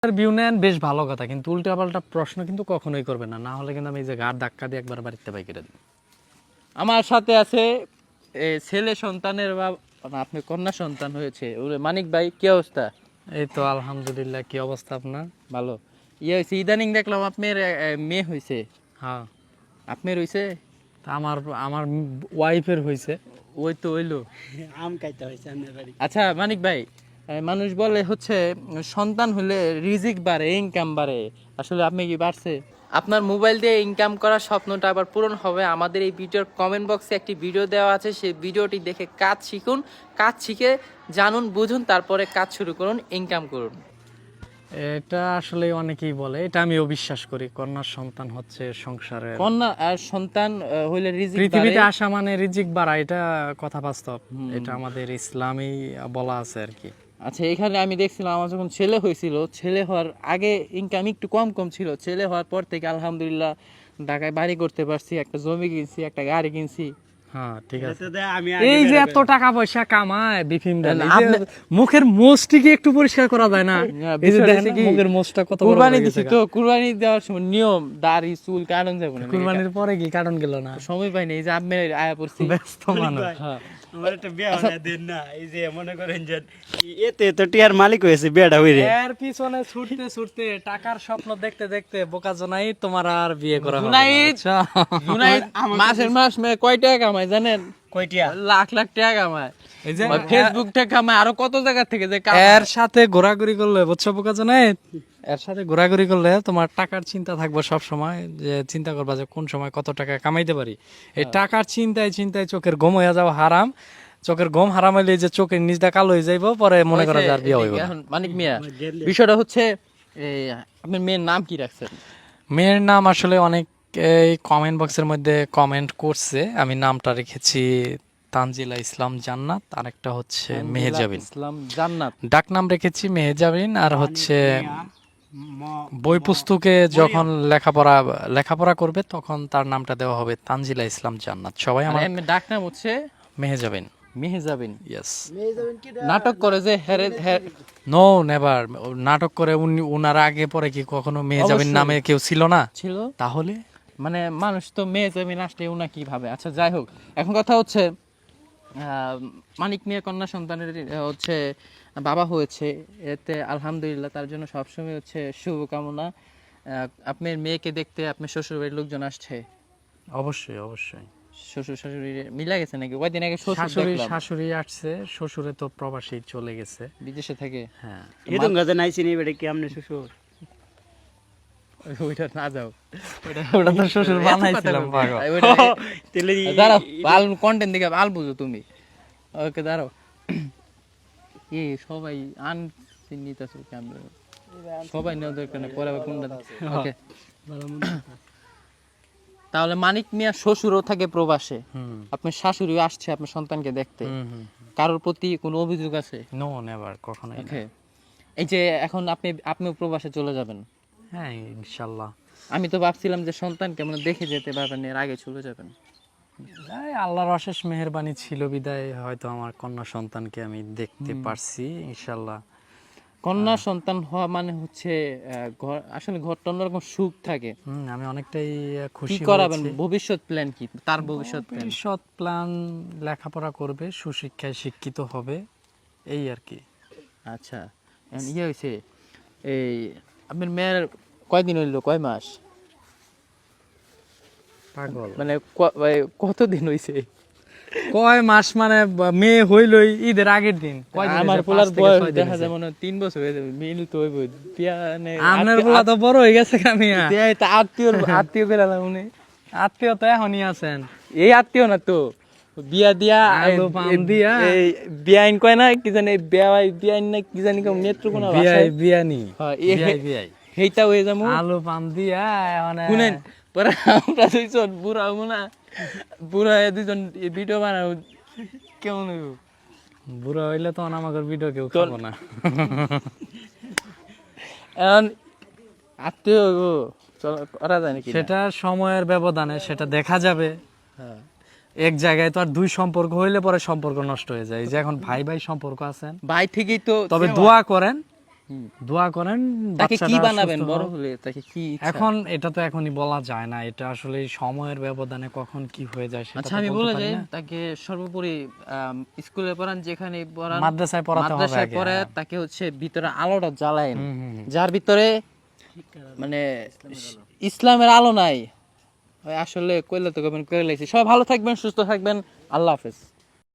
View নেন বেশ ভালো কথা, কিন্তু উল্টাপাল্টা প্রশ্ন কিন্তু কখনোই করবে না, না হলে কিন্তু আমি এই যে ঘাট ধাক্কা দিয়ে একবার বাড়িতে বাই করে দিই। আমার সাথে আছে ছেলে সন্তানের বা আপনি কন্যা সন্তান হয়েছে মানিক ভাই, কি অবস্থা? এই তো আলহামদুলিল্লাহ, কি অবস্থা আপনার? ভালো। ইয়ে হয়েছে, ইদানিং দেখলাম আপনার মেয়ে হয়েছে। হ্যাঁ, আপনার হয়েছে? তা আমার আমার ওয়াইফের হয়েছে। ওই তো হইলো। আম খাইতে হয়েছে আপনার বাড়ি। আচ্ছা মানিক ভাই, মানুষ বলে হচ্ছে সন্তান হলে রিজিক বাড়ে, ইনকাম বাড়ে, আসলে আপনি কি বাড়ছে? আপনার মোবাইল দিয়ে ইনকাম করার স্বপ্নটা আবার পূরণ হবে। আমাদের এই ভিডিওর কমেন্ট বক্সে একটি ভিডিও দেওয়া আছে, সেই ভিডিওটি দেখে কাজ শিখুন, কাজ শিখে জানুন বুঝুন, তারপরে কাজ শুরু করুন, ইনকাম করুন। এটা আসলে অনেকেই বলে, এটা আমিও বিশ্বাস করি, কন্যার সন্তান হচ্ছে সংসারের। কন্যা আর সন্তান হইলে রিজিক পৃথিবীতে বাড়ে। আসা মানে রিজিক বাড়া, এটা কথা বাস্তব। এটা আমাদের ইসলামেই বলা আছে আর কি। আচ্ছা, এখানে আমি দেখছিলাম আমার যখন ছেলে হয়েছিল, ছেলে হওয়ার আগে ইনকাম একটু কম কম ছিল, ছেলে হওয়ার পর থেকে আলহামদুলিল্লাহ ঢাকায় বাড়ি করতে পারছি, একটা জমি কিনছি, একটা গাড়ি কিনছি। হ্যাঁ ঠিক আছে। তো দেখ আমি এই যে এত টাকা পয়সা কামায় বিপিন দা, না, এই যে মুখের মোষটি কি একটু পরিষ্কার করা যায় না? এই যে বিষয়টা দেখেন হচ্ছে না, কি, মুখের মোষটা কত বড় কুরবানি হয়ে দিছি গেছে। তো, কুরবানি দেওয়ার সময় নিয়ম দাড়ি চুল কাটন যাবে না, কুরবানির পরে কি কারণ গেল না? সময় পাইনি, এই যে আপনি আয়া পড়ছি। ব্যস্ত মানুষ। হ্যাঁ। আমার একটা বিয়া বানায় দেন না, এই যে মনে করেন যে এতে তো টিয়ার মালিক হয়েছে বিয়াটা হইরে। এর পিছনে ছুটতে ছুটতে টাকার স্বপ্ন দেখতে দেখতে বোকা জোনাই তোমার আর বিয়ে করা হবে না, জুনাইদ, বুঝছো? জুনাইদ মাসের মাস কয় টাকা কামায় জানেন? কয়টিয়া? লাখ লাখ টাকা কামায়। এই যে ফেসবুক থেকে কামায়, আরো কত জায়গা থেকে যে এর সাথে ঘোরাঘুরি করলে, বুঝছো বোকা জোনাই, এর সাথে ঘোরাঘুরি করলে তোমার টাকার চিন্তা থাকবে সব সময়, যে চিন্তা করবা যে কোন সময় কত টাকা কামাইতে পারি। এই টাকার চিন্তায় চিন্তায় চোখের ঘুম হয়ে যাওয়া হারাম। চোখের ঘুম হারাম হইলে যে চোখের নিচটা কালো হয়ে যাইবো, পরে মনে করা যায় আর বিয়ে হইব না। এখন মানিক মিয়া, বিষয়টা হচ্ছে এই আপনার মেয়ের নাম কি রাখছেন? মেয়ের নাম আসলে অনেক এই কমেন্ট বক্সের মধ্যে কমেন্ট করছে, আমি নামটা রেখেছি তানজিলা ইসলাম জান্নাত, আর একটা হচ্ছে মেহেজাবিন। ইসলাম জান্নাত। ডাক নাম রেখেছি মেহেজাবিন, আর হচ্ছে বই পুস্তকে যখন লেখাপড়া করবে তখন তার নামটা দেওয়া হবে তানজিলা ইসলাম জান্নাত। সবাই আমার এমনি ডাক নাম হচ্ছে মেহেজাবিন। মেহেজাবিন। ইয়েস। নাটক করে যে নো নেভার, নাটক করে উনার আগে পরে কি কখনো মেহেজাবিন অবশ্যই। নামে কেউ ছিল না? ছিল, তাহলে মানে মানুষ তো মেহেজাবিন আসলে উনা কি ভাবে। আচ্ছা যাই হোক, এখন কথা হচ্ছে মানিক মিয়া কন্যা সন্তানের হচ্ছে বাবা হয়েছে, এতে আলহামদুলিল্লাহ, তার জন্য সবসময় হচ্ছে শুভকামনা। আপনার মেয়েকে দেখতে আপনার শ্বশুর বাড়ির লোকজন আসছে? অবশ্যই অবশ্যই। শ্বশুর শাশুড়ি মিলা গেছে নাকি? কয়দিন আগে শ্বশুর শাশুড়ি দেখলাম শাশুড়ি আসছে, শ্বশুরে তো প্রবাসী চলে গেছে। বিদেশে থেকে। হ্যাঁ, এরকম গাছে নাইছি নি বেটা কি আমনে শ্বশুর? ওইটা না যাও, ওটা তো শ্বশুর বানাইছিলাম পাগল। তেলে দাঁড়াও, আল কন্টেন্ট দিকে আল বুঝো তুমি। ওকে দাঁড়াও, কি সবাই আনচিহ্নিত আছে ক্যামেরা, সবাই নেওয়া দরকার নেই, পরে আবার কোনটা। ওকে, তাহলে মানিক মিয়া শ্বশুরও থাকে প্রবাসে, হুম আপনার শাশুড়িও আসছে আপনার সন্তানকে দেখতে, হুম হুম। কারোর প্রতি কোনো অভিযোগ আছে? নো নেভার, কখনোই না। ওকে, এই যে এখন আপনিও প্রবাসে চলে যাবেন, হ্যাঁ ইনশাল্লাহ। আমি তো ভাবছিলাম যে সন্তানকে মানে দেখে যেতে পারবেন, এর আগে চলে যাবেন। এই আল্লাহর অশেষ মেহেরবানি ছিল বিদায় হয়তো আমার কন্যা সন্তানকে আমি দেখতে পারছি ইনশাল্লাহ। কন্যা সন্তান হওয়া মানে হচ্ছে ঘর, আসলে ঘরটা অন্যরকম সুখ থাকে। আমি অনেকটাই কি খুশি করাবেন, হয়েছি। ভবিষ্যৎ প্ল্যান কি তার? ভবিষ্যৎ প্ল্যান ভবিষ্যৎ প্ল্যান, লেখাপড়া করবে, সুশিক্ষায় শিক্ষিত হবে, এই আর কি। আচ্ছা, এখন ইয়ে হয়েছে, এই আপনার মেয়ের কয়দিন হইলো, কয় মাস, পাগল মানে কতদিন হইছে? কয় মাস মানে মেয়ে হইলই ঈদের আগের দিন। আমার পোলার বয়স দেখা যায় মনে হয় 3 বছর হয়ে যাবে, মিল তো হইব আপনার পোলা তো বড় হয়ে গেছে কামিয়া। আত্মীয় বেলালাম উনি, আত্মীয় তো এখনই আছেন। এই আত্মীয় না তো, বিয়া দিয়া আলু পাম দিয়া। এই বিয়াইন কয় না কি জানি, বিয়াইন না কি জানি নেত্রকোনা ভাষায়, বিয়ানি হ্যাঁ, বিয়াই সেইটা হয়ে যাবো। আলু পাম দিয়া মানে শুনেন, পরে আমরা দুইজন বুড়া হবো না, বুড়া হয়ে দুইজন ভিডিও বানাবো, কেমন হইব? বুড়া হইলে তো আমাকে ভিডিও কেউ খাবো না। এখন আত্মীয় হইব, চল করা যায় নাকি? সেটা সময়ের ব্যবধানে সেটা দেখা যাবে। হ্যাঁ, এক জায়গায় তো আর দুই সম্পর্ক হইলে পরে সম্পর্ক নষ্ট হয়ে যায়। এই যে এখন ভাই ভাই সম্পর্ক আছেন, ভাই থেকেই তো তবে দোয়া করেন দোয়া করেন তাকে কি বাচ্চাটা বানাবেন সুস্থ বড় হোক। হলে, তাকে কি ইচ্ছা? এখন এটা তো এখনই বলা যায় না, এটা আসলে সময়ের ব্যবধানে কখন কি হয়ে যায় সেটা আচ্ছা তো আমি বলতে বলে পারি যাই, না। তাকে সর্বোপরি স্কুলে পড়ান, যেখানে পড়ান, মাদ্রাসায় পড়াতে হবে মাদ্রাসায় আগে, পড়ে হ্যাঁ। তাকে হচ্ছে ভিতরে আলোটা জ্বালায়েন, হুম, হুম, হুম। যার ভিতরে মানে ইসলামের আলো নাই, ওই আসলে কইলে তো কইলে সবাই ভালো থাকবেন, সুস্থ থাকবেন, আল্লাহ হাফেজ।